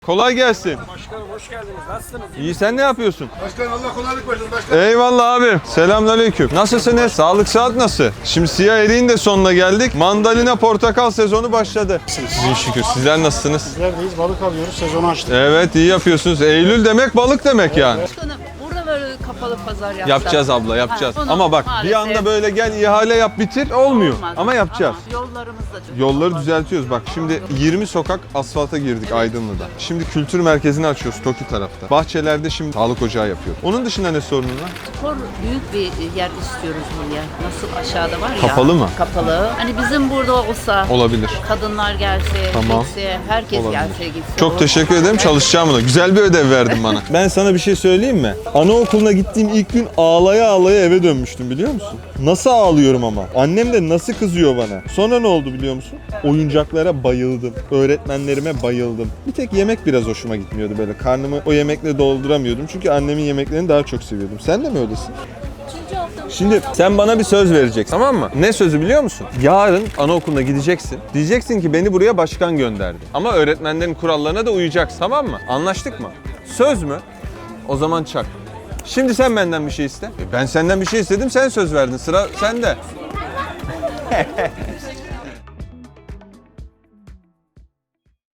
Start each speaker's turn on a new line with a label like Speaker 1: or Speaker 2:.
Speaker 1: Kolay gelsin.
Speaker 2: Başkanım hoş geldiniz. Nasılsınız?
Speaker 1: İyi, sen ne yapıyorsun?
Speaker 3: Başkanım Allah kolaylık versin başkanım.
Speaker 1: Eyvallah abi. Selamünaleyküm. Nasılsınız? Sağlık saat nasıl? Şimdi siyah eriğin de sonuna geldik. Mandalina portakal sezonu başladı. Sizin şükür. Sizler nasılsınız?
Speaker 3: Bizlerdeyiz, balık alıyoruz, sezonu açtık.
Speaker 1: Evet, iyi yapıyorsunuz. Eylül demek balık demek yani.
Speaker 4: Başkanım burada böyle kapalı pazar yapsak.
Speaker 1: Yapacağız abla, yapacağız.
Speaker 4: Ha, onu
Speaker 1: Ama bak bir
Speaker 4: maalesef
Speaker 1: anda böyle gel ihale yap bitir olmuyor.
Speaker 4: olmaz.
Speaker 1: Ama yapacağız.
Speaker 4: Ama yollarımız da çok
Speaker 1: Yolları
Speaker 4: kapalı.
Speaker 1: düzeltiyoruz. Bak şimdi 20 sokak asfalta girdik Aydınlı'da. Şimdi kültür merkezini açıyoruz Toki tarafta. Bahçelerde şimdi sağlık ocağı yapıyor. Onun dışında ne sorunun var?
Speaker 4: Spor büyük bir yer istiyoruz buraya. Nasıl aşağıda var ya.
Speaker 1: Kapalı mı?
Speaker 4: Kapalı. Hani bizim burada olsa
Speaker 1: Olabilir.
Speaker 4: kadınlar gelse,
Speaker 1: Tamam.
Speaker 4: gitse, herkes
Speaker 1: Olabilir.
Speaker 4: gelse gitse.
Speaker 1: Çok teşekkür ederim. Çalışacağım buna. Güzel bir ödev verdin bana. Ben sana bir şey söyleyeyim mi? Anaokuluna gittiğim ilk gün ağlaya ağlaya eve dönmüştüm biliyor musun? Nasıl ağlıyorum ama. Annem de nasıl kızıyor bana. Sonra ne oldu biliyor musun? Oyuncaklara bayıldım. Öğretmenlerime bayıldım. Bir tek yemek biraz hoşuma gitmiyordu böyle. Karnımı o yemekle dolduramıyordum. Çünkü annemin yemeklerini daha çok seviyordum. Sen de mi öylesin? Şimdi sen bana bir söz vereceksin, tamam mı? Ne sözü biliyor musun? Yarın anaokuluna gideceksin. Diyeceksin ki beni buraya başkan gönderdi. Ama öğretmenlerin kurallarına da uyacaksın, tamam mı? Anlaştık mı? Söz mü? O zaman çak. Şimdi sen benden bir şey iste. Ben senden bir şey istedim, sen söz verdin. Sıra sende.